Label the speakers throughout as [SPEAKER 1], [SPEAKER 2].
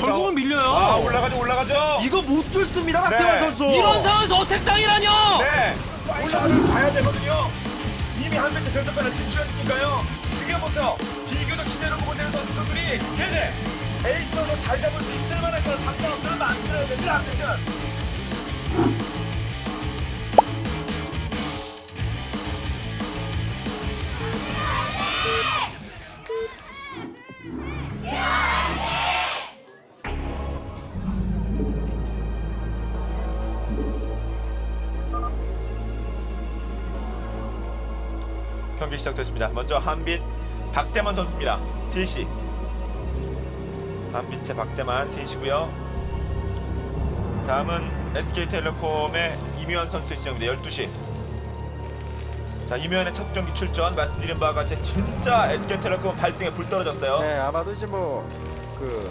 [SPEAKER 1] 결국은 밀려요.
[SPEAKER 2] 아, 올라가죠.
[SPEAKER 3] 이거 못 뚫습니다, 박태환
[SPEAKER 2] 네.
[SPEAKER 3] 선수.
[SPEAKER 1] 이런 상황에서 어택 당이라뇨.
[SPEAKER 2] 네. 올라가면 봐야 되거든요. 이미 한 배트 결정권을 진출했으니까요. 지금부터 비교적 치대로 보고 있는 선수들이 네네. 에이스로 잘 잡을 수 있을 만한 그런 상황을 만들어야 됩니다. 안되죠. 경기 시작됐습니다. 먼저 한빛 박대만 선수입니다. 3시. 한빛의 박대만 3시고요. 다음은 SK텔레콤의 이묘한 선수의 지정입니다. 12시. 자, 이묘한의 첫 경기 출전 말씀드린 바와 같이 진짜 SK텔레콤 발등에 불 떨어졌어요.
[SPEAKER 3] 네, 아마도 이제 뭐 그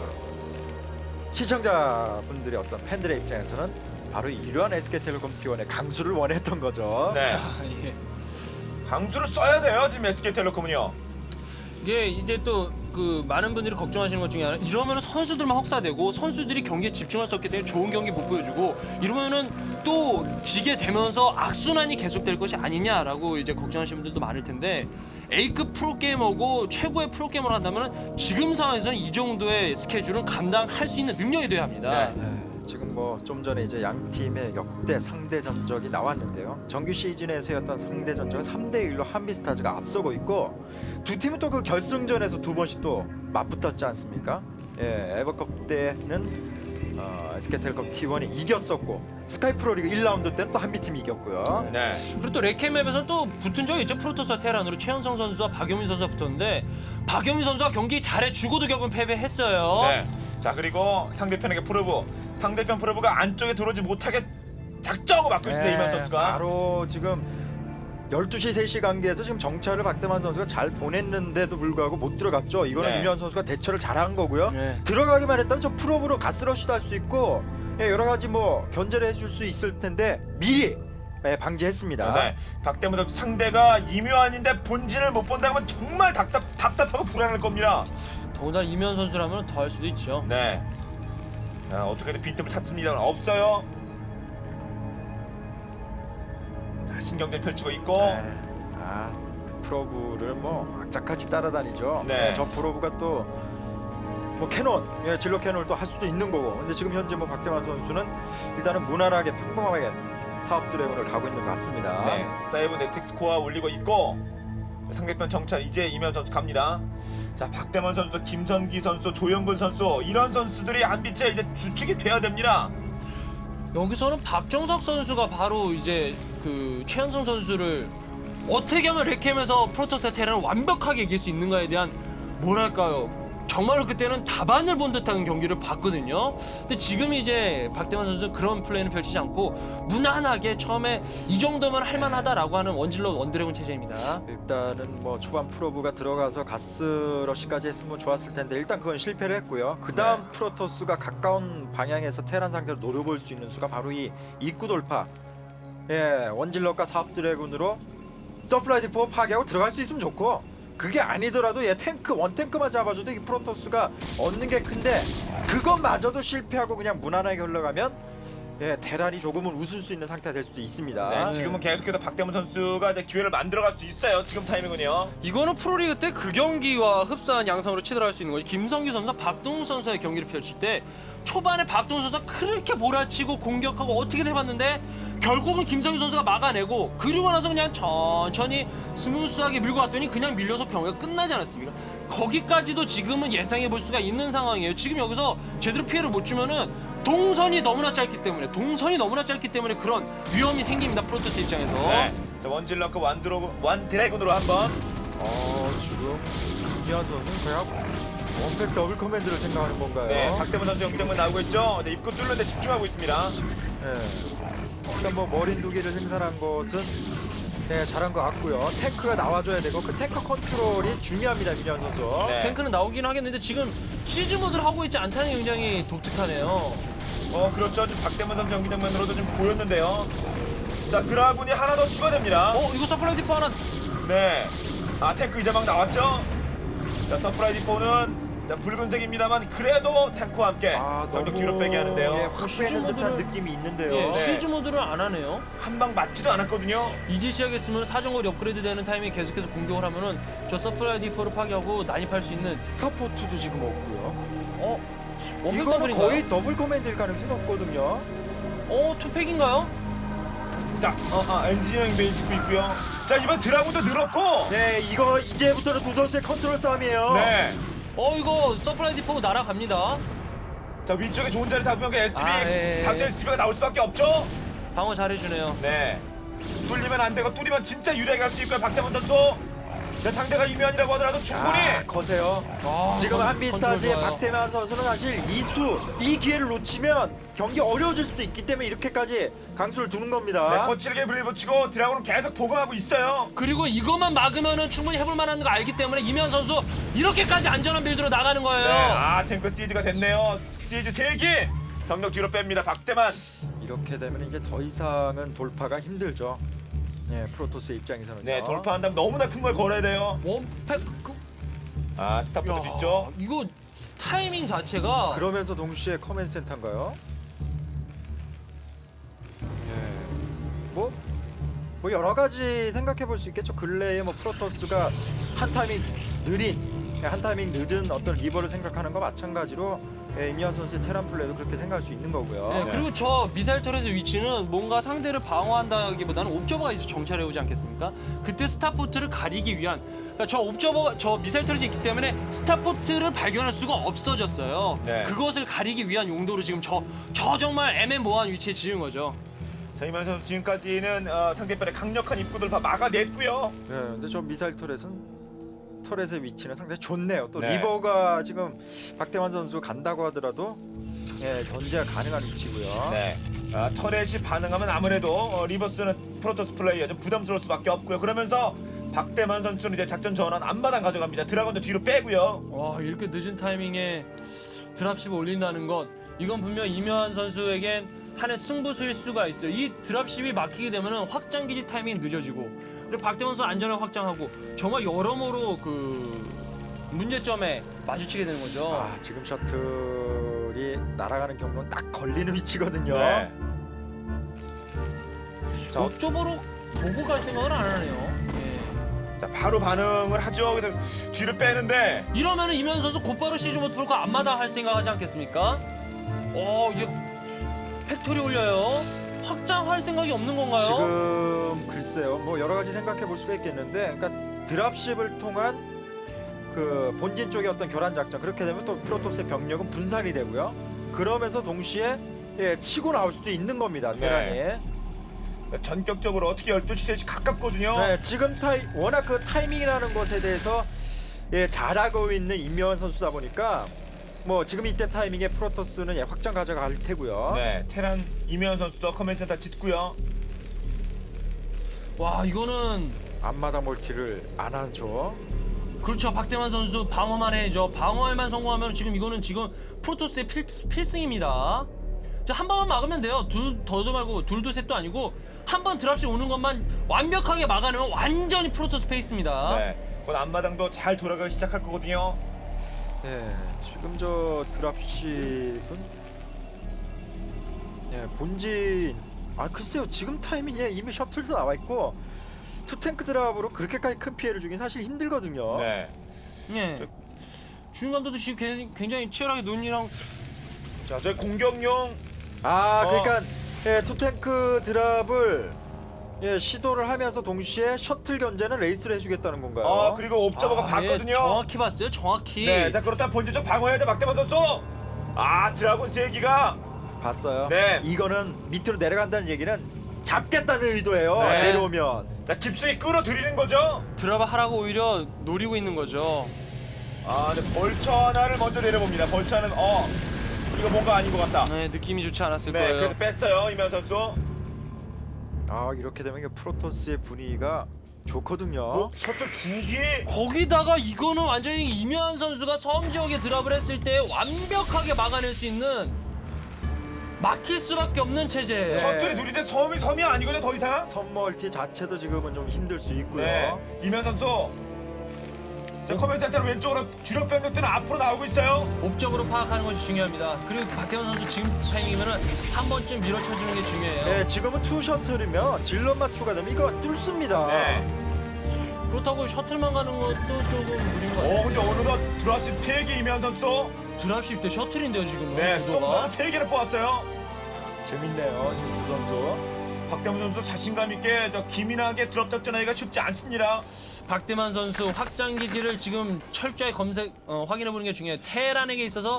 [SPEAKER 3] 시청자분들의 어떤 팬들의 입장에서는 바로 이러한 SK텔레콤 T1의 강수를 원했던 거죠.
[SPEAKER 2] 네.
[SPEAKER 1] 아, 예.
[SPEAKER 2] 강수를 써야 돼요. 지금 SK텔레콤은요.
[SPEAKER 1] 이게 이제 또 그 많은 분들이 걱정하시는 것 중에 하나, 이러면 선수들만 혹사되고 선수들이 경기에 집중할 수 없기 때문에 좋은 경기 못 보여주고 이러면은 또 지게 되면서 악순환이 계속될 것이 아니냐라고 이제 걱정하시는 분들도 많을 텐데, A급 프로게이머고 최고의 프로게이머를 한다면 지금 상황에서는 이 정도의 스케줄은 감당할 수 있는 능력이 돼야 합니다.
[SPEAKER 2] 네.
[SPEAKER 3] 네, 지금 뭐 좀 전에 이제 양 팀의 역대 상대 전적이 나왔는데요. 정규 시즌에서였던 상대 전적은 3대1로 한빛스타즈가 앞서고 있고, 두 팀은 또 그 결승전에서 두 번씩 또 맞붙었지 않습니까? 예, 에버컵 때는 SK텔레콤 T1이 이겼었고, 스카이 프로리그 1라운드 때는 또 한빛팀이 이겼고요.
[SPEAKER 2] 네.
[SPEAKER 1] 그리고 또 레케맵에서는 또 붙은 적이 있죠. 프로토스와 테란으로 최현성 선수와 박효민 선수가 붙었는데 박효민 선수가 경기 잘해주고도 결국은 패배했어요.
[SPEAKER 2] 네. 자, 그리고 상대편에게 프로브. 상대편 프로브가 안쪽에 들어오지 못하게 작정하고 막고 있습니다. 이만 선수가.
[SPEAKER 3] 바로 지금 12시 3시 관계에서 지금 정찰을 박대만 선수가 잘 보냈는데도 불구하고 못 들어갔죠. 이거는
[SPEAKER 2] 네.
[SPEAKER 3] 이면 선수가 대처를 잘한 거고요.
[SPEAKER 1] 네.
[SPEAKER 3] 들어가기만 했다면 저 프로브로 가스러시도 할 수 있고, 예, 여러 가지 뭐 견제를 해줄 수 있을 텐데 미리 방지했습니다.
[SPEAKER 2] 네. 박대문 선수 상대가 이묘한인데 본진을 못 본다고 하면 정말 답답하고 불안할 겁니다.
[SPEAKER 1] 더군다나 이면 선수라면 더 할 수도 있죠.
[SPEAKER 2] 네. 자, 어떻게든 빈틈을 찾습니다만 없어요. 자, 신경전 펼치고 있고.
[SPEAKER 3] 네. 프로브를 뭐 악착같이 따라다니죠.
[SPEAKER 2] 네.
[SPEAKER 3] 저 프로브가 또 뭐 캐논, 예, 진로 캐논을 또 할 수도 있는 거고. 근데 지금 현재 뭐 박대만 선수는 일단은 무난하게 평범하게 사업 드래곤을 가고 있는 것 같습니다.
[SPEAKER 2] 네. 사이버 네틱 스코어 올리고 있고, 상대편 정찰 이제 이면 선수 갑니다. 자, 박대만 선수, 김선기 선수, 조영근 선수, 이런 선수들이 한빛에 이제 주축이 돼야 됩니다.
[SPEAKER 1] 여기서는 박정석 선수가 바로 이제 그 최현성 선수를 어떻게 하면 레캠에서 프로토스 테란을 완벽하게 이길 수 있는가에 대한, 뭐랄까요, 정말로 그때는 답안을 본 듯한 경기를 봤거든요. 근데 지금 이제 박대만 선수는 그런 플레이는 펼치지 않고 무난하게 처음에 이 정도면 할만하다라고 하는 원질러 원드래곤 체제입니다.
[SPEAKER 3] 일단은 뭐 초반 프로브가 들어가서 가스러시까지 했으면 좋았을 텐데 일단 그건 실패를 했고요. 그 다음
[SPEAKER 2] 네.
[SPEAKER 3] 프로토스가 가까운 방향에서 테란 상대로 노려볼 수 있는 수가 바로 이 입구 돌파. 예, 원질럿과 사업 드래곤으로 서플라이 디포 파괴하고 들어갈 수 있으면 좋고, 그게 아니더라도 탱크 원탱크만 잡아줘도 이 프로토스가 얻는 게 큰데 그것마저도 실패하고 그냥 무난하게 흘러가면, 예, 테란이 조금은 웃을 수 있는 상태가 될 수도 있습니다.
[SPEAKER 2] 네, 지금은 계속해서 박대문 선수가 이제 기회를 만들어갈 수 있어요. 지금 타이밍은요.
[SPEAKER 1] 이거는 프로리그 때 그 경기와 흡사한 양상으로 치달할 수 있는 거지. 김성규 선수와 박동훈 선수의 경기를 펼칠 때 초반에 박동훈 선수가 그렇게 몰아치고 공격하고 어떻게든 해봤는데 결국은 김성규 선수가 막아내고, 그리고 나서 그냥 천천히 스무스하게 밀고 왔더니 그냥 밀려서 경기가 끝나지 않았습니까? 거기까지도 지금은 예상해 볼 수가 있는 상황이에요. 지금 여기서 제대로 피해를 못 주면은 동선이 너무나 짧기 때문에 그런 위험이 생깁니다. 프로토스 입장에서.
[SPEAKER 2] 네. 자, 원질럿과 원드래곤으로 한번.
[SPEAKER 3] 지금 김기현 선수는 그냥 원팩 더블 커맨드를 생각하는 건가요?
[SPEAKER 2] 네, 박대문 선수 영장만 나오고 있죠. 네, 입구 뚫는데 집중하고 있습니다.
[SPEAKER 3] 네. 일단 뭐 머린 두 개를 생산한 것은, 네, 잘한 것 같고요. 탱크가 나와줘야 되고 그 탱크 컨트롤이 중요합니다, 김기현 선수.
[SPEAKER 2] 네.
[SPEAKER 1] 탱크는 나오긴 하겠는데 지금 시즈 모드를 하고 있지 않다는 게 굉장히 독특하네요.
[SPEAKER 2] 그렇죠. 지금 박대문 선수 연기 장면으로도 좀 보였는데요. 자, 드라군이 하나 더 추가됩니다.
[SPEAKER 1] 이거 서플라이 디포 하나.
[SPEAKER 2] 네. 탱크 이제 막 나왔죠? 자, 서프라이즈 4는 자 붉은색입니다만 그래도 탱크와 함께 병력 뒤로 빼게 하는데요.
[SPEAKER 3] 예, 확 빼는 듯한 느낌이 있는데요.
[SPEAKER 1] 예,
[SPEAKER 2] 네.
[SPEAKER 1] 시즈 모드를 안 하네요.
[SPEAKER 2] 한 방 맞지도 않았거든요.
[SPEAKER 1] 이제 시작했으면 사정거리 업그레이드 되는 타이밍에 계속해서 공격을 하면은 저 서플라이 디포를 파괴하고 난입할 수 있는
[SPEAKER 3] 스타포트도 지금 없고요.
[SPEAKER 1] 원팩
[SPEAKER 3] 이거는
[SPEAKER 1] 더블인가요?
[SPEAKER 3] 거의 더블 커맨드일 가능성이 높거든요.
[SPEAKER 1] 투팩인가요?
[SPEAKER 2] 자, 엔지니어링 메인 찍고 있고요. 자 이번 드라군도 늘었고.
[SPEAKER 3] 네, 이거 이제부터는 두 선수의 컨트롤 싸움이에요.
[SPEAKER 2] 네.
[SPEAKER 1] 이거 서플라이 디포 날아갑니다.
[SPEAKER 2] 자 위쪽에 좋은 자리 잡으면 그 SB
[SPEAKER 1] 예.
[SPEAKER 2] 다수 SB가 나올 수밖에 없죠.
[SPEAKER 1] 방어 잘해주네요.
[SPEAKER 2] 네. 뚫리면 안 되고 뚫리면 진짜 유리하게 할 수 있고요. 박태원 선수. 자 상대가 이면이라고 하더라도 충분히.
[SPEAKER 3] 거세요. 지금 한비스타즈의 박태만 선수는 사실 이 기회를 놓치면 경기 어려워질 수도 있기 때문에 이렇게까지 강수를 두는 겁니다.
[SPEAKER 2] 네, 거칠게 물리붙이고 드라군은 계속 보강하고 있어요.
[SPEAKER 1] 그리고 이것만 막으면은 충분히 해볼 만한 거 알기 때문에 이면 선수 이렇게까지 안전한 빌드로 나가는 거예요.
[SPEAKER 2] 네, 탱크 시즈가 됐네요. 시즈 3기 병력 뒤로 뺍니다. 박대만.
[SPEAKER 3] 이렇게 되면 이제 더 이상은 돌파가 힘들죠. 네, 프로토스의 입장에서는.
[SPEAKER 2] 네, 돌파한다면 너무나 큰 걸 걸어야 돼요.
[SPEAKER 1] 원팩
[SPEAKER 2] 스타포트 뒤쪽.
[SPEAKER 1] 이거 타이밍 자체가
[SPEAKER 3] 그러면서 동시에 커맨 센터인가요? 뭐 여러 가지 생각해 볼 수 있겠죠. 근래에 뭐 프로토스가 한 타이밍 늦은 어떤 리버를 생각하는 거 마찬가지로 임현 선수의 테란 플레이도 그렇게 생각할 수 있는 거고요.
[SPEAKER 1] 네, 그리고 저 미사일 터렛의 위치는 뭔가 상대를 방어한다기보다는 옵저버가 이제 정찰해 오지 않겠습니까? 그때 스타포트를 가리기 위한 그러니까 저 미사일 터렛이 있기 때문에 스타포트를 발견할 수가 없어졌어요.
[SPEAKER 2] 네.
[SPEAKER 1] 그것을 가리기 위한 용도로 지금 저 정말 애매모호한 위치에 지은 거죠.
[SPEAKER 2] 자, 이만 선수 지금까지는 상대편의 강력한 입구들 다 막아냈고요.
[SPEAKER 3] 네, 근데 저 미사일 터렛의 위치는 상당히 좋네요. 또
[SPEAKER 2] 네.
[SPEAKER 3] 리버가 지금 박태환 선수 간다고 하더라도 견제가 가능한 위치고요.
[SPEAKER 2] 네. 터렛이 반응하면 아무래도 리버스는 프로토스 플레이어 좀 부담스러울 수밖에 없고요. 그러면서 박대만 선수는 이제 작전 전환 앞마당 가져갑니다. 드라곤도 뒤로 빼고요.
[SPEAKER 1] 와, 이렇게 늦은 타이밍에 드랍십을 올린다는 것 이건 분명 이면 선수에겐 한해 승부수일 수가 있어요. 이 드랍십이 막히게 되면 확장기지 타이밍이 늦어지고 그리고 박대원 선수 안전을 확장하고 정말 여러모로 그 문제점에 마주치게 되는 거죠.
[SPEAKER 3] 지금 셔틀이 날아가는 경로는 딱 걸리는 위치거든요.
[SPEAKER 2] 네.
[SPEAKER 1] 자, 옵저버로 보고 갈 생각을 안 하네요. 예.
[SPEAKER 2] 자, 바로 반응을 하죠. 그래서 뒤로 빼는데
[SPEAKER 1] 이러면은 이면 선수 곧바로 시즌 모드 풀고 앞마다 할 생각하지 않겠습니까? 이게 팩토리 올려요. 확장할 생각이 없는 건가요?
[SPEAKER 3] 지금 글쎄요. 뭐 여러 가지 생각해 볼 수가 있겠는데, 그러니까 드랍십을 통한 그 본진 쪽의 어떤 교란 작전 그렇게 되면 또 프로토스의 병력은 분산이 되고요. 그러면서 동시에 치고 나올 수도 있는 겁니다. 테란이.
[SPEAKER 2] 네. 전격적으로 어떻게 12시 대시 가깝거든요.
[SPEAKER 3] 네, 지금 워낙 그 타이밍이라는 것에 대해서 잘하고 있는 임명환 선수다 보니까 뭐 지금 이때 타이밍에 프로토스는 확장 가져갈 테고요.
[SPEAKER 2] 네, 테란 이면 선수도 커맨센터 짓고요.
[SPEAKER 1] 와, 이거는
[SPEAKER 3] 앞마당 멀티를 안 하죠.
[SPEAKER 1] 그렇죠. 박대만 선수 방어만 해야죠. 방어에만 성공하면 지금 프로토스의 필승입니다. 한 번만 막으면 돼요. 더도 말고 둘도 셋도 아니고 한 번 드랍십 오는 것만 완벽하게 막아내면 완전히 프로토스 페이스입니다.
[SPEAKER 2] 네, 곧 앞마당도 잘 돌아가기 시작할 거거든요.
[SPEAKER 3] 네, 지금 저 드랍십은 본진 글쎄요. 지금 타이밍에 이미 셔틀도 나와 있고 투탱크 드랍으로 그렇게까지 큰 피해를 주긴 사실 힘들거든요.
[SPEAKER 2] 네.
[SPEAKER 1] 예. 주인 감독도 지금 굉장히 치열하게 논의랑
[SPEAKER 2] 자, 저희 공격용
[SPEAKER 3] 그러니까 투탱크 드랍을 시도를 하면서 동시에 셔틀 견제는 레이스를 해주겠다는 건가요?
[SPEAKER 2] 그리고 옵저버가 봤거든요.
[SPEAKER 1] 정확히 봤어요. 정확히.
[SPEAKER 2] 네, 자 그렇다면 본질적 방어해야죠. 박대만 선수. 드라군 세기가
[SPEAKER 3] 봤어요.
[SPEAKER 2] 네.
[SPEAKER 3] 이거는 밑으로 내려간다는 얘기는 잡겠다는 의도예요.
[SPEAKER 2] 네.
[SPEAKER 3] 내려오면.
[SPEAKER 2] 자 깊숙이 끌어들이는 거죠.
[SPEAKER 1] 드랍을 하라고 오히려 노리고 있는 거죠.
[SPEAKER 2] 근데 벌처 하나를 먼저 내려봅니다. 벌처 하나는 이거 뭔가 아닌 것 같다.
[SPEAKER 1] 네, 느낌이 좋지 않았을
[SPEAKER 2] 네,
[SPEAKER 1] 거예요.
[SPEAKER 2] 그래서 뺐어요 이면 선수.
[SPEAKER 3] 이렇게 되면 이게 프로토스의 분위기가 좋거든요.
[SPEAKER 2] 셔틀 2기.
[SPEAKER 1] 거기다가 이거는 완전히 이면 선수가 섬 지역에 드랍을 했을 때 완벽하게 막아낼 수 있는 막힐 수밖에 없는 체제예요.
[SPEAKER 3] 네.
[SPEAKER 2] 셔틀이 둘인데 섬이 아니거든요. 더 이상.
[SPEAKER 3] 선멀티 자체도 지금은 좀 힘들 수 있고요.
[SPEAKER 2] 네, 이면 선수. 자, 커맨드 센터는 왼쪽으로 주력 병력들은 앞으로 나오고 있어요.
[SPEAKER 1] 목적으로 파악하는 것이 중요합니다. 그리고 박태원 선수 지금 타이밍이면은 한 번쯤 밀어쳐주는 게 중요해요.
[SPEAKER 3] 네, 지금은 투 셔틀이면 질럿만 추가되면 이거 뚫습니다.
[SPEAKER 2] 네.
[SPEAKER 1] 그렇다고 셔틀만 가는 것도 조금 무리인 것 같아요.
[SPEAKER 2] 근데 어느덧 드랍십 3개 이면 선수도
[SPEAKER 1] 드랍십 때 셔틀인데요 지금은.
[SPEAKER 2] 네,
[SPEAKER 1] 구도가.
[SPEAKER 2] 송 3개를 뽑았어요.
[SPEAKER 3] 재밌네요, 지금 두 선수.
[SPEAKER 2] 박대문 선수 자신감 있게 기민하게 드랍 작전하기가 쉽지 않습니다.
[SPEAKER 1] 박대만 선수 확장 기지를 지금 철저히 확인해 보는 게 중요해요. 테란에게 있어서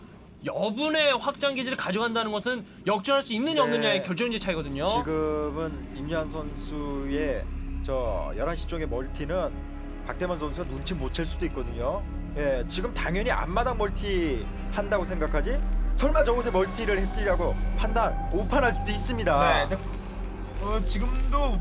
[SPEAKER 1] 여분의 확장 기지를 가져간다는 것은 역전할 수 있느냐
[SPEAKER 3] 네.
[SPEAKER 1] 없느냐의 결정적 차이거든요.
[SPEAKER 3] 지금은 임유한 선수의 저 11시 쪽의 멀티는 박대만 선수가 눈치 못 챌 수도 있거든요. 예, 지금 당연히 앞마당 멀티 한다고 생각하지? 설마 저곳에 멀티를 했으려고 오판할 수도 있습니다.
[SPEAKER 2] 네, 지금도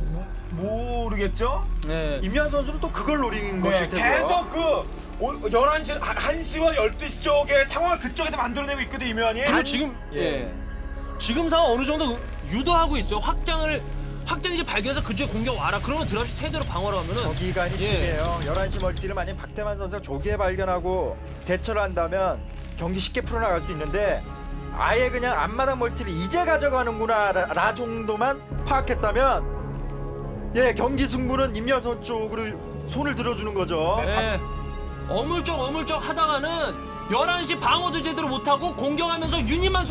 [SPEAKER 2] 모르겠죠?
[SPEAKER 1] 네.
[SPEAKER 3] 임유한 선수는 또 그걸 노린
[SPEAKER 2] 네,
[SPEAKER 3] 것일 테고요.
[SPEAKER 2] 계속 그 11시, 1시와 12시 쪽에 상황을 그쪽에서 만들어내고 있거든, 이면이.
[SPEAKER 1] 그리고 지금
[SPEAKER 3] 예.
[SPEAKER 1] 지금 상황 어느 정도 유도하고 있어요. 확장이지 발견해서 그쪽에 공격 와라. 그러면 드랍시 세대로 방어를 하면은
[SPEAKER 3] 저기간이 중요해요. 11시 멀티를 만약 박태만 선수가 조기에 발견하고 대처를 한다면 경기 쉽게 풀어나갈 수 있는데 아예 그냥 앞마당 멀티를 이제 가져가는구나 라 정도만 파악했다면 경기 승부는 임유한 선수 쪽으로 손을 들어주는 거죠.
[SPEAKER 1] 네. 어물쩍 하다가는 11시 방어도 제대로 못하고 공격하면서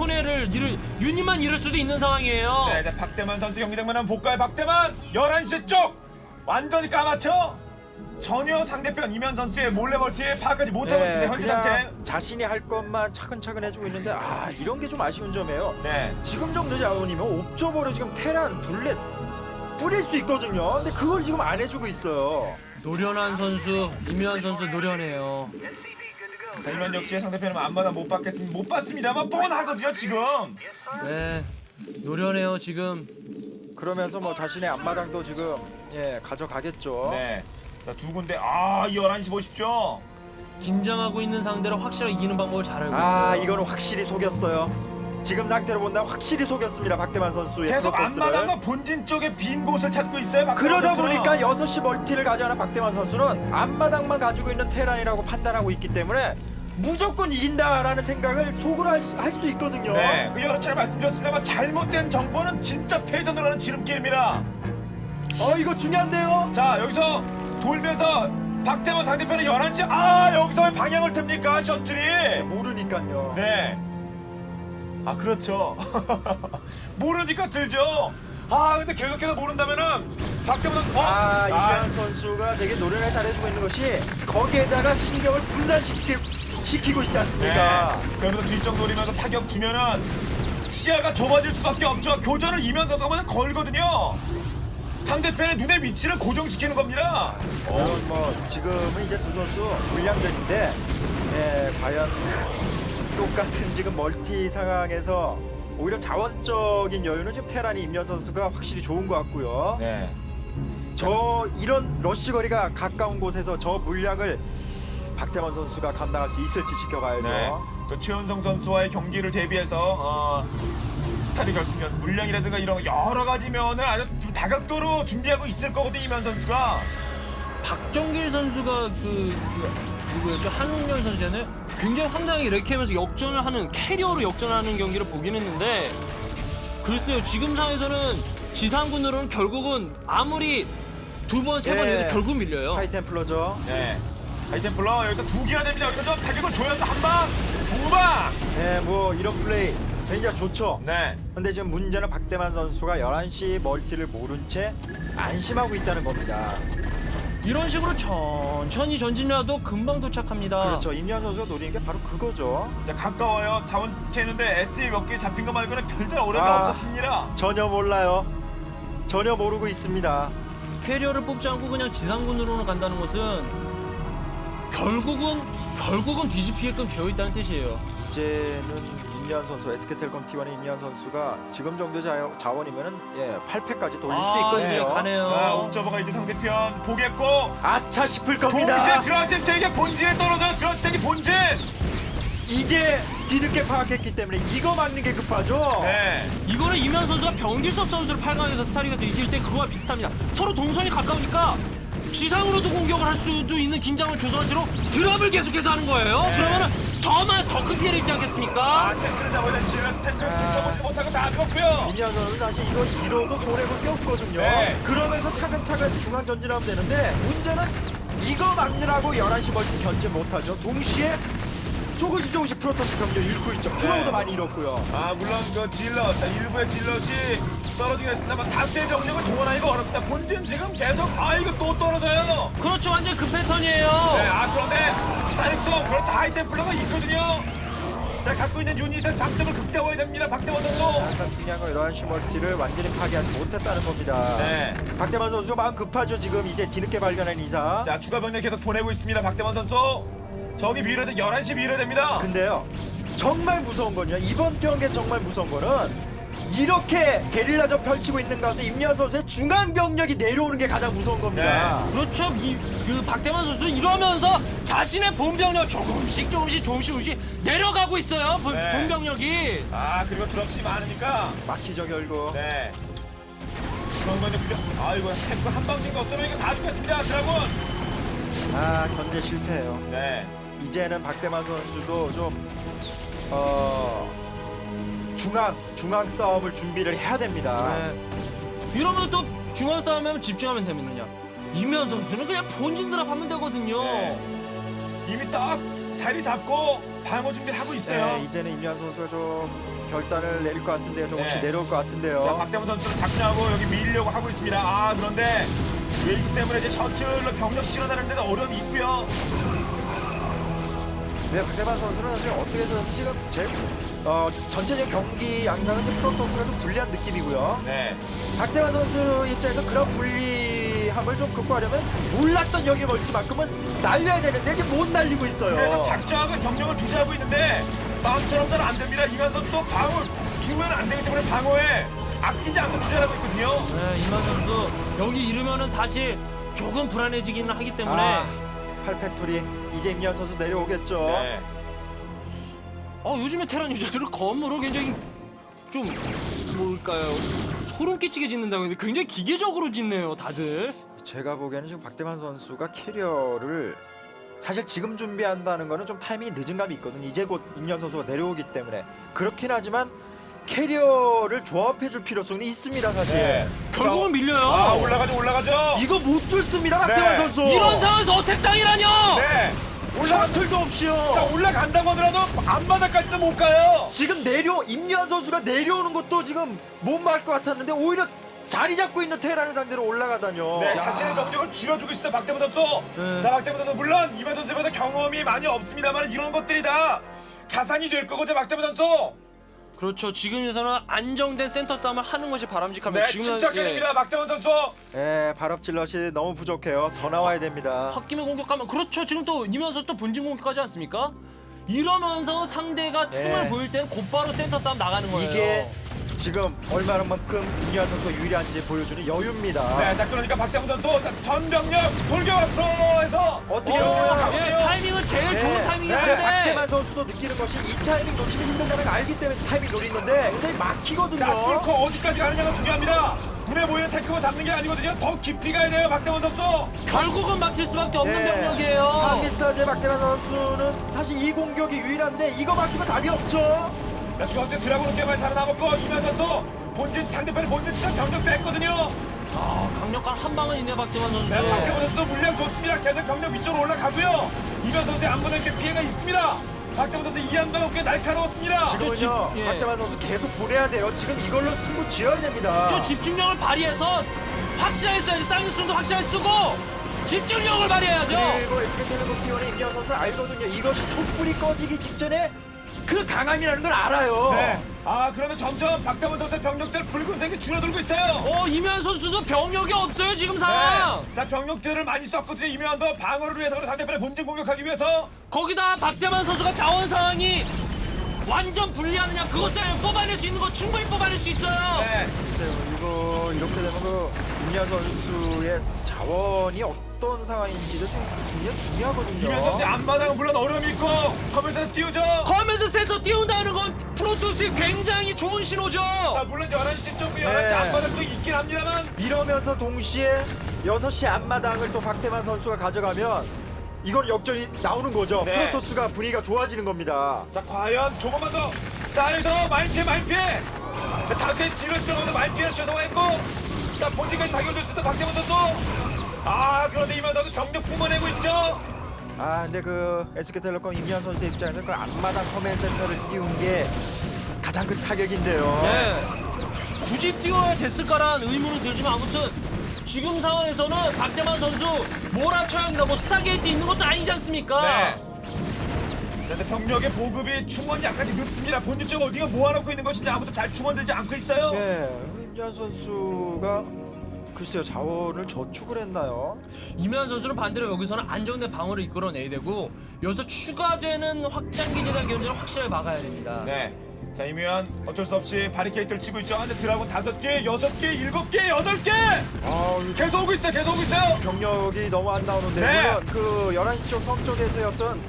[SPEAKER 1] 유닛만 잃을 수도 있는 상황이에요.
[SPEAKER 2] 네, 이제 박대만 선수 경기 장면 한번 볼까요? 박대만 11시 쪽 완전히 까맣죠? 전혀 상대편 이면 선수의 몰래 멀티에 파악하지 못하고 있습니다. 현재
[SPEAKER 3] 그냥
[SPEAKER 2] 상태.
[SPEAKER 3] 자신이 할 것만 차근차근 해주고 있는데 이런 게 좀 아쉬운 점이에요.
[SPEAKER 2] 네.
[SPEAKER 3] 지금 정도 자원이면 옵저버로 지금 테란 둘렛 뿌릴 수 있거든요. 근데 그걸 지금 안 해주고 있어요.
[SPEAKER 1] 노련한 선수, 임요한 선수 노련해요.
[SPEAKER 2] 자, 이면 역시 상대편은 앞마다 못 봤습니다만 뻔하거든요, 지금.
[SPEAKER 1] 네. 노련해요 지금.
[SPEAKER 3] 그러면서 뭐 자신의 앞마당도 지금 가져가겠죠.
[SPEAKER 2] 네. 자, 두 군데. 이 11시 보십시오.
[SPEAKER 1] 긴장하고 있는 상대를 확실하게 이기는 방법을 잘 알고 있어요.
[SPEAKER 3] 이거는 확실히 속였어요. 지금 상태로 본다면 확실히 속였습니다. 박대만 선수의
[SPEAKER 2] 계속
[SPEAKER 3] 프로토스를.
[SPEAKER 2] 앞마당과 본진 쪽에 빈 곳을 찾고 있어요, 박대만
[SPEAKER 3] 그러다
[SPEAKER 2] 선수는.
[SPEAKER 3] 보니까 6시 멀티를 가져가는 박대만 선수는 앞마당만 가지고 있는 테란이라고 판단하고 있기 때문에 무조건 이긴다라는 생각을 속으로 할 수 있거든요.
[SPEAKER 2] 네, 그 여러 차례 말씀드렸습니다만 잘못된 정보는 진짜 패전으로 하는 지름길입니다.
[SPEAKER 3] 이거 중요한데요.
[SPEAKER 2] 자, 여기서 돌면서 박대만 상대편의 11시. 여기서 왜 방향을 틉니까, 셔틀이?
[SPEAKER 3] 모르니까요.
[SPEAKER 2] 네. 그렇죠. 모르니까 들죠. 근데 계속해서 모른다면은 박대만 선수.
[SPEAKER 3] 이현 선수가 되게 노련하게 잘해주고 있는 것이 거기에다가 신경을 분산시키고 있지 않습니까?
[SPEAKER 2] 네. 그러면서 뒤쪽 노리면서 타격 주면은 시야가 좁아질 수밖에 없죠. 교전을 이면 선수가 걸거든요. 상대편의 눈의 위치를 고정시키는 겁니다.
[SPEAKER 3] 물론 뭐 지금은 이제 두 선수 물량전인데 과연 똑같은 지금 멀티 상황에서 오히려 자원적인 여유는 지금 테란이 임현 선수가 확실히 좋은 것 같고요.
[SPEAKER 2] 네.
[SPEAKER 3] 이런 러쉬 거리가 가까운 곳에서 저 물량을 박태만 선수가 감당할 수 있을지 지켜봐야죠.
[SPEAKER 2] 네. 또 최현성 선수와의 경기를 대비해서 스타리 결승전 물량이라든가 이런 여러 가지 면을 아주 좀 다각도로 준비하고 있을 거거든요, 이면 선수가.
[SPEAKER 1] 박정길 선수가 누구였죠? 한웅현 선수잖아요. 굉장히 황당하게 이렇게 하면서 역전을 하는 캐리어로 역전하는 경기를 보긴 했는데 글쎄요 지금 상황에서는 지상군으로는 결국은 아무리 두 번 세 번 해도 결국 밀려요.
[SPEAKER 3] 하이템플러죠.
[SPEAKER 2] 네. 하이템플러 여기서 2개나 됩니다. 여기서 좀 타격을 줘야 한 방, 두 방.
[SPEAKER 3] 뭐 이런 플레이 굉장히 좋죠.
[SPEAKER 2] 네.
[SPEAKER 3] 근데 지금 문제는 박대만 선수가 11시 멀티를 모른 채 안심하고 있다는 겁니다.
[SPEAKER 1] 이런 식으로 천천히 전진해도 금방 도착합니다.
[SPEAKER 3] 그렇죠. 임현 선수가 노리는 게 바로 그거죠.
[SPEAKER 2] 자, 가까워요. 자원 캐는데 SE 몇 개 잡힌 거 말고는 별다른 어려움이 없었습니다.
[SPEAKER 3] 전혀 몰라요. 전혀 모르고 있습니다.
[SPEAKER 1] 캐리어를 뽑지 않고 그냥 지상군으로는 간다는 것은 결국은 뒤집히게끔 되어 있다는 뜻이에요.
[SPEAKER 3] 이제는 임현 선수, SK텔레콤 T1의 임현 선수가 지금 정도 자원이면은 8패까지 돌릴 수 있거든요.
[SPEAKER 1] 네, 가네요.
[SPEAKER 2] 옵저버가 이제 상대편 보겠고
[SPEAKER 3] 아차 싶을 겁니다.
[SPEAKER 2] 동시에 드라젠 세계 본진에 떨어져. 드라젠 세계 본진.
[SPEAKER 3] 이제 뒤늦게 파악했기 때문에 이거 막는 게 급하죠.
[SPEAKER 2] 네.
[SPEAKER 1] 이거는 이면 선수가 병길섭 선수를 8강에서 스타리그에서 이길 때 그거와 비슷합니다. 서로 동선이 가까우니까 지상으로도 공격을 할 수도 있는 긴장을 조성한 채로 드랍을 계속해서 하는 거예요. 그러면은 더 큰 피해를 입지 않겠습니까?
[SPEAKER 2] 탱크를 잡아야 돼. 질러서 탱크를 붙어보지 못하고 다 죽었고요.
[SPEAKER 3] 임현 선수 사실 이거 잃어도 손해볼 게 없거든요.
[SPEAKER 2] 네.
[SPEAKER 3] 그러면서 차근차근 중앙 전진하면 되는데 문제는 이거 막느라고 11시 멀티 견제 못하죠. 동시에 조금씩 프로토스 병력 잃고 있죠. 프로도 많이 잃었고요.
[SPEAKER 2] 물론 그 질럿, 일부의 질럿이 떨어지긴 했습니다만 다수의 병력을 동원하기가 어렵습니다. 본진 지금 계속 이거 또 떨어져요.
[SPEAKER 1] 그렇죠. 완전 그 패턴이에요.
[SPEAKER 2] 네, 그런데 사이소 그렇다 하이템플러가 있거든요. 자, 갖고 있는 유닛의 장점을 극대화해야 됩니다. 박대원 선수.
[SPEAKER 3] 약간 중요한 건 11시 멀티를 완전히 파괴하지 못했다는 겁니다.
[SPEAKER 2] 네.
[SPEAKER 3] 박대만 선수 마음 급하죠. 지금 이제 뒤늦게 발견한 이상.
[SPEAKER 2] 자, 추가 병력 계속 보내고 있습니다. 박대원 선수. 저기 밀어야 돼. 11시 밀어야 됩니다.
[SPEAKER 3] 근데요, 정말 무서운 건요. 이번 경기에 정말 무서운 거는 이렇게 게릴라전 펼치고 있는 가운데 임현 선수의 중앙 병력이 내려오는 게 가장 무서운 겁니다.
[SPEAKER 1] 그렇죠. 그 박태만 선수 이러면서 자신의 본병력 조금씩 내려가고 있어요.
[SPEAKER 2] 네.
[SPEAKER 1] 본병력이.
[SPEAKER 2] 그리고 드랍십이 많으니까.
[SPEAKER 3] 막히죠 결국.
[SPEAKER 2] 네. 그런 건데 이거 탱크 한 방진거 없으면 이거 다 죽겠습니다. 드라군.
[SPEAKER 3] 견제 실패해요.
[SPEAKER 2] 네.
[SPEAKER 3] 이제는 박대만 선수도 좀 중앙 싸움을 준비를 해야 됩니다.
[SPEAKER 1] 네. 이러면 또 중앙 싸움에 집중하면 되면요. 이면 선수는 그냥 본진 드랍하면 되거든요.
[SPEAKER 2] 네. 이미 딱 자리 잡고 방어 준비를 하고 있어요.
[SPEAKER 3] 네, 이제는 임현 선수가 좀 결단을 내릴 것 같은데요. 조금씩
[SPEAKER 2] 네.
[SPEAKER 3] 내려올 것 같은데요.
[SPEAKER 2] 자, 박대문 선수는 작정하고 여기 밀려고 하고 있습니다. 그런데 웨이스 때문에 이제 셔틀로 병력 실어나르는 데도 어려움이 있고요.
[SPEAKER 3] 네, 박대만 선수는 사실 어떻게 해서든 지금 전체적 경기 양상은 지금 프로토스가 좀 불리한 느낌이고요.
[SPEAKER 2] 네.
[SPEAKER 3] 박대만 선수 입장에서 그런 불리함을 좀 극복하려면 몰랐던 여기 멀티만큼은 날려야 되는데 지금 못 날리고 있어요.
[SPEAKER 2] 그래도 작정하고 병력을 투자하고 있는데 마음처럼는 안 됩니다. 이만 선수도 방어 주면 안 되기 때문에 방어에 아끼지 않고 투자를 하고 있거든요.
[SPEAKER 1] 네, 이만 선수 여기 이르면은 사실 조금 불안해지기는 하기 때문에.
[SPEAKER 3] 8팩토리 이제 임현 선수 내려오겠죠.
[SPEAKER 2] 네.
[SPEAKER 1] 요즘에 테란 유저들은 건물을 굉장히 좀 뭘까요? 소름 끼치게 짓는다고 했는데 굉장히 기계적으로 짓네요, 다들.
[SPEAKER 3] 제가 보기에는 지금 박대만 선수가 캐리어를 사실 지금 준비한다는 거는 좀 타이밍이 늦은 감이 있거든요. 이제 곧 임현 선수가 내려오기 때문에 그렇긴 하지만 캐리어를 조합해줄 필요성이 있습니다, 사실.
[SPEAKER 2] 네.
[SPEAKER 1] 결국은 밀려요.
[SPEAKER 2] 올라가죠.
[SPEAKER 3] 이거 못 뚫습니다, 박대만
[SPEAKER 2] 네.
[SPEAKER 3] 선수.
[SPEAKER 1] 이런 상황에서 어택 당이라뇨!
[SPEAKER 2] 네.
[SPEAKER 3] 셔틀도 없이요.
[SPEAKER 2] 자, 올라간다고 하더라도 앞바닥까지도 못 가요.
[SPEAKER 3] 지금 임현 선수가 내려오는 것도 지금 못 막을 것 같았는데 오히려 자리 잡고 있는 테란을 상대로 올라가다뇨.
[SPEAKER 2] 네,
[SPEAKER 3] 야.
[SPEAKER 2] 자신의 병력을 줄여주고 있어요, 박대문 선수.
[SPEAKER 1] 네.
[SPEAKER 2] 자, 박대문 선수 물론 이만 선수보다 경험이 많이 없습니다만 이런 것들이 다 자산이 될 거거든요, 박대문 선수.
[SPEAKER 1] 그렇죠. 지금에서는 안정된 센터 싸움을 하는 것이 바람직합니다.
[SPEAKER 2] 네,
[SPEAKER 1] 지금은
[SPEAKER 2] 침착해야 박대문 선수.
[SPEAKER 3] 발업 질럿이 너무 부족해요. 더 나와야 됩니다.
[SPEAKER 1] 홧김에 공격하면 그렇죠. 지금 또 이면 선수 또 본진 공격하지 않습니까? 이러면서 상대가 틈을 보일 때는 곧바로 센터 싸움 나가는 거예요.
[SPEAKER 3] 이게 지금 얼마만큼 임현 선수가 유리한지 보여주는 여유입니다.
[SPEAKER 2] 네, 자, 그러니까 박대문 선수 전병력 돌격 앞으로 해서
[SPEAKER 3] 어떻게
[SPEAKER 1] 예, 타이밍은 제일 좋은 타이밍인데.
[SPEAKER 3] 박대만 선수도 느끼는 것이 이 타이밍 놓치면 힘든다는 걸 알기 때문에 타이밍 노리는데 굉장히 막히거든요.
[SPEAKER 2] 자, 뚫고 어디까지 가느냐가 중요합니다. 눈에 보이는 탱크만 잡는 게 아니거든요. 더 깊이 가야 돼요, 박대문 선수.
[SPEAKER 1] 결국은 막힐 수밖에 없는 병력이에요.
[SPEAKER 3] 한미스타즈의 박대만 선수는 사실 이 공격이 유일한데 이거 막히면 답이 없죠.
[SPEAKER 2] 자, 중앙대 드라곤 꽤 많이 살아남았고 이만 선수 본진 상대편의 본진 치상 병력도 했거든요.
[SPEAKER 1] 강력한 한 방은 있네 박대만 선수.
[SPEAKER 2] 네, 박대문 선수 물량 좋습니다. 계속 병력 위쪽으로 올라가고요. 이만 선수의 안보는 꽤 피해가 있습니다. 박대문 선수 이 한 방은 꽤 날카로웠습니다.
[SPEAKER 3] 지금은요,
[SPEAKER 1] 예.
[SPEAKER 3] 박대만 선수 계속 보내야 돼요. 지금 이걸로 승부 지어야 됩니다.
[SPEAKER 1] 저 집중력을 발휘해서 확실하게 써야지. 사이언스도 확실하게 쓰고 집중력을 발휘해야죠.
[SPEAKER 3] 그리고 SK텔레콤 T1의 임현 선수 알거든요. 이것이 촛불이 꺼지기 직전에 그 강함이라는 걸 알아요.
[SPEAKER 2] 네. 그러면 점점 박대문 선수의 병력들 붉은색이 줄어들고 있어요.
[SPEAKER 1] 이면 선수도 병력이 없어요 지금 상황.
[SPEAKER 2] 자, 병력들을 많이 썼거든요. 이면도 방어를 위해서 상대편의 본진 공격하기 위해서.
[SPEAKER 1] 거기다 박대만 선수가 자원 상황이 완전 불리하느냐 그것 때문에 뽑아낼 수 있는 거 충분히 뽑아낼 수 있어요.
[SPEAKER 2] 네.
[SPEAKER 3] 글쎄요, 이거 이렇게 되면 그 임현 선수의 자원이 어떤 상황인지도 좀 굉장히 중요하거든요.
[SPEAKER 2] 이면 선수의 앞마당은 물론 어려움이 있고 커맨드에서 띄우죠.
[SPEAKER 1] 커맨드 센터 띄운다는 건 프로토스의 굉장히 좋은 신호죠.
[SPEAKER 2] 자, 물론 11시 쪽, 11시
[SPEAKER 3] 네.
[SPEAKER 2] 앞마당 쪽 있긴 합니다만.
[SPEAKER 3] 이러면서 동시에 6시 앞마당을 또 박태만 선수가 가져가면 이건 역전이 나오는 거죠.
[SPEAKER 2] 네.
[SPEAKER 3] 프로토스가 분위기가 좋아지는 겁니다.
[SPEAKER 2] 자 과연 조금만 더. 자 여기서 많이 피해. 자, 다수의 진을 들어가면서 많이 피해 죄송했고. 자 본진까지 타격을 줬을 때 박태원 선수. 아 그런데 이만 선수 병력 뿜어내고 있죠.
[SPEAKER 3] 아 근데 그 SK텔레콤 임현 선수의 입장에서는 그 앞마당 커맨 센터를 띄운 게 가장 큰 타격인데요.
[SPEAKER 1] 네. 굳이 띄워야 됐을까라는 의문은 들지만 아무튼 지금 상황에서는 박대만 선수 몰아쳐야 합니다. 뭐 스타게이트 있는 것도 아니지 않습니까?
[SPEAKER 2] 네. 자, 근데 병력의 보급이 충원이 약간씩 늦습니다. 본진 쪽 어디가 모아놓고 있는 것인지 아무도 잘 충원되지 않고 있어요.
[SPEAKER 3] 네, 임현 선수가 글쎄요 자원을 저축을 했나요?
[SPEAKER 1] 이면 선수는 반대로 여기서는 안정된 방어를 이끌어내야 되고 여기서 추가되는 확장기지단 견제를 확실하게 막아야 됩니다.
[SPEAKER 2] 네. 자, 이면 어쩔 수 없이 바리케이트를 치고 있죠. 근데 드라곤 5개, 6개, 7개, 8개!
[SPEAKER 3] 아
[SPEAKER 2] 계속 오고 있어요, 계속 오고 있어요!
[SPEAKER 3] 병력이 너무 안 나오는데
[SPEAKER 2] 네.
[SPEAKER 3] 물론 그 11시 쪽 섬 쪽에서의 어떤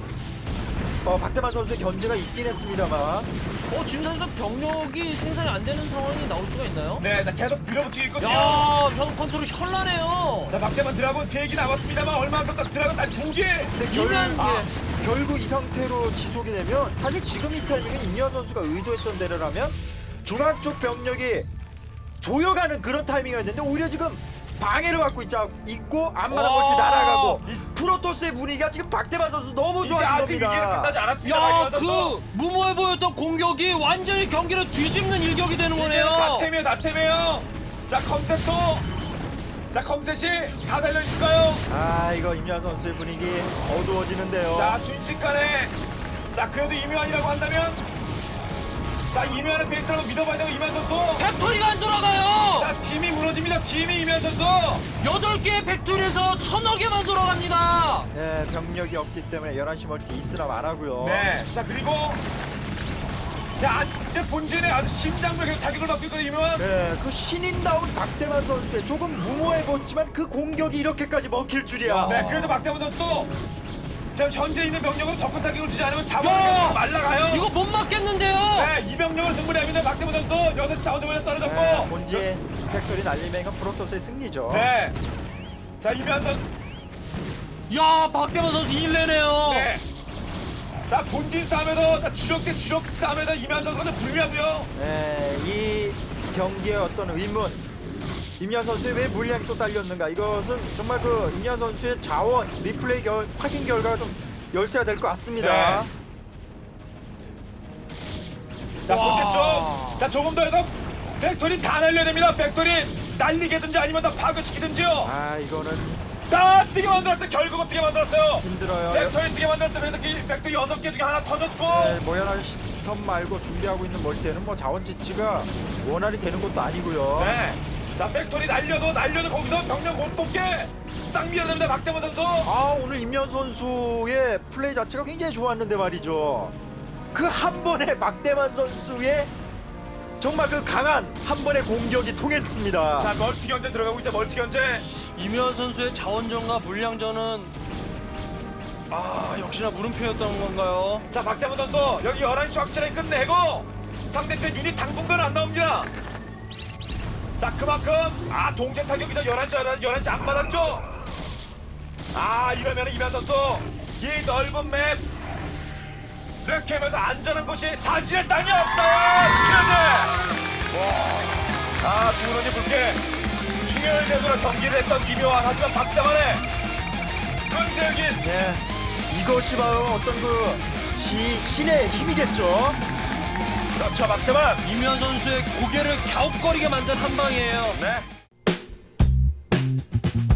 [SPEAKER 3] 박태만 선수의 견제가 있긴 했습니다만
[SPEAKER 1] 지금 선수 병력이 생산이 안 되는 상황이 나올 수가 있나요?
[SPEAKER 2] 네, 나 계속 밀어붙이고 있거든요.
[SPEAKER 1] 야, 형 컨트롤 현란해요.
[SPEAKER 2] 자, 박대만 드라곤 3개 남았습니다만 얼마만큼 딱 드라곤 단 2개!
[SPEAKER 1] 이면
[SPEAKER 3] 결국 이 상태로 지속이 되면 사실 지금 이 타이밍에 임현 선수가 의도했던 대로라면 중앙 쪽 병력이 조여가는 그런 타이밍이었는데 오히려 지금 방해를 받고 있고 앞마당 멀티 날아가고 이 프로토스의 분위기가 지금 박태만 선수 너무
[SPEAKER 2] 이제
[SPEAKER 3] 좋아진
[SPEAKER 2] 아직 위기는
[SPEAKER 3] 겁니다.
[SPEAKER 2] 끝나지 않았습니다.
[SPEAKER 1] 야,
[SPEAKER 2] 박대만 선수.
[SPEAKER 1] 그 무모해 보였던 공격이 완전히 경기를 뒤집는 일격이 되는 거네요.
[SPEAKER 2] 이제는 다템이에요. 자, 컴셋도. 자, 컴셋이 다 달려있을까요?
[SPEAKER 3] 아 이거 임현 선수의 분위기 어두워지는데요.
[SPEAKER 2] 자, 순식간에. 자, 그래도 이묘한이라고 한다면. 자, 이묘한을 베이스라고 믿어봐야 되고, 이묘한 선수.
[SPEAKER 1] 팩토리가 안 돌아가요.
[SPEAKER 2] 자, 팀이 무너집니다. 팀이 이묘한 선수.
[SPEAKER 1] 8개의 팩토리에서 1000억에만 돌아갑니다.
[SPEAKER 3] 네 병력이 없기 때문에 11시 멀티 있으라 말하고요.
[SPEAKER 2] 네. 자, 그리고. 자, 이제 본진에 아주 심장벽에 타격을 받고 있거든요, 이묘한.
[SPEAKER 3] 네, 그 신인다운 박태만 선수의 조금 무모해 보였지만 그 공격이 이렇게까지 먹힐 줄이야.
[SPEAKER 2] 네, 그래도 박태원 선수. 지금 현재 있는 병력으로 덕분 타격을 주지 않으면
[SPEAKER 1] 야!
[SPEAKER 2] 잡아먹으면 말라가요.
[SPEAKER 1] 이거 못 막겠는데요.
[SPEAKER 2] 네, 이 병력을 승부하면 박태원 선수 6시 자원도면에 떨어졌고.
[SPEAKER 3] 네, 본진 팩토리 날리면 이건 프로토스의 승리죠.
[SPEAKER 2] 네. 자, 이면 선수.
[SPEAKER 1] 야, 박대만 선수 일내네요.
[SPEAKER 2] 네. 자, 본진 싸움에서 주력 대 주력 싸움에서 이면 선수가 불리하고요.
[SPEAKER 3] 네, 이 경기의 어떤 의문. 임현 선수의 왜 물량이 또 딸렸는가? 이것은 정말 그 임현 선수의 자원 리플레이 확인 결과가 좀 열쇠가 될 것 같습니다.
[SPEAKER 2] 네. 자,
[SPEAKER 1] 와.
[SPEAKER 2] 본대쪽. 자, 조금 더 해서 팩토리 다 날려야 됩니다. 팩토리 날리게든지 아니면 다 파괴시키든지요.
[SPEAKER 3] 아, 이거는
[SPEAKER 2] 다 뛰게 만들었어요. 결국은 뛰게 만들었어요.
[SPEAKER 3] 힘들어요.
[SPEAKER 2] 팩토리 뛰게 만들었어요. 그래서 팩토리 6개 중에 하나 터졌고.
[SPEAKER 3] 네, 모연한 섬 말고 준비하고 있는 멀티에는 뭐 자원 지치가 원활히 되는 것도 아니고요.
[SPEAKER 2] 네. 자, 팩토리 날려도 거기서 병력 못 뽑게 싹 밀어냅니다. 박태원 선수.
[SPEAKER 3] 아, 오늘 임현 선수의 플레이 자체가 굉장히 좋았는데 말이죠. 그 한 번에 막대만 선수의 정말 그 강한 한 번의 공격이 통했습니다.
[SPEAKER 2] 자, 멀티 견제 들어가고 있다. 멀티 견제.
[SPEAKER 1] 이면 선수의 자원전과 물량전은 역시나 물음표였던 건가요?
[SPEAKER 2] 자, 박태원 선수 여기 11시 확실하게 끝내고 상대편 유닛 당분간 안 나옵니다. 자, 그만큼 동체 타격이다. 11시 안 맞았죠. 이러면 이면 선수 이 넓은 맵 이렇게 하면서 안전한 곳이 자신의 땅이 없어요. 와, 두 눈이 붉게 중요한 대구로 경기를 했던 이묘한 하지만 박태환의 끈질긴.
[SPEAKER 3] 네, 이것이 바로 어떤 그 신의 힘이겠죠.
[SPEAKER 2] 그렇죠, 박태환.
[SPEAKER 1] 이면 선수의 고개를 갸웃거리게 만든 한 방이에요.
[SPEAKER 2] 네.